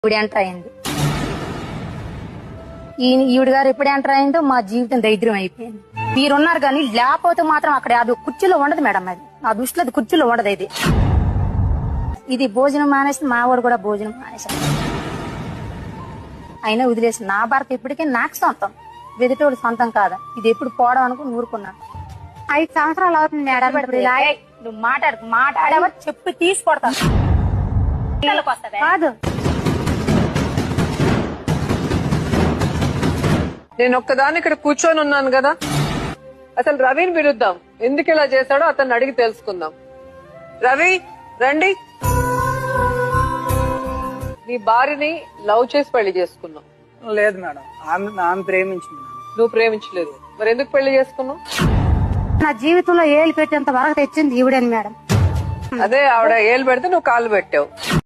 ఇప్పుడు ఎంటర్ అయింది. ఈవిడ గారు ఎప్పుడు ఎంటర్ అయిందో మా జీవితం దరిద్రం అయిపోయింది. మీరున్నారు కానీ లేకపోతే మాత్రం అక్కడ అది కుర్చీలో ఉండదు మేడం. అది నా దృష్టిలో అది కుర్చీలో ఉండదు. ఇది భోజనం మానేసి మా వాడు కూడా భోజనం మానేసాడు. అయినా వదిలేసి నా భర్త ఇప్పటికే నాకు సొంతం, వెదిటోడు సొంతం కాదా. ఇది ఎప్పుడు పోవడం అనుకుని ఊరుకున్నాను. 5 సంవత్సరాలు అవుతుంది మేడం. నువ్వు మాట్లాడవా చెప్పి తీసుకొడతాను కాదు, నేను ఒక్కదాన్ని ఇక్కడ కూర్చొని ఉన్నాను కదా. అసలు రవిని పిలుద్దాం, ఎందుకు ఇలా చేశాడో అతన్ని అడిగి తెలుసుకుందాం. రవి రండి. నీ భార్యని లవ్ చేసి పెళ్లి చేసుకున్నావు? లేదు మేడం, ఆమె ప్రేమించింది. నువ్వు ప్రేమించలేదు, మరి ఎందుకు పెళ్లి చేసుకున్నావు? నా జీవితంలో ఏళ్ళు పెట్టేంత వరకు తెచ్చింది ఈవిడని మేడం. అదే ఆవిడ ఏళ్ళు పెడితే నువ్వు కాళ్ళు పెట్టావు.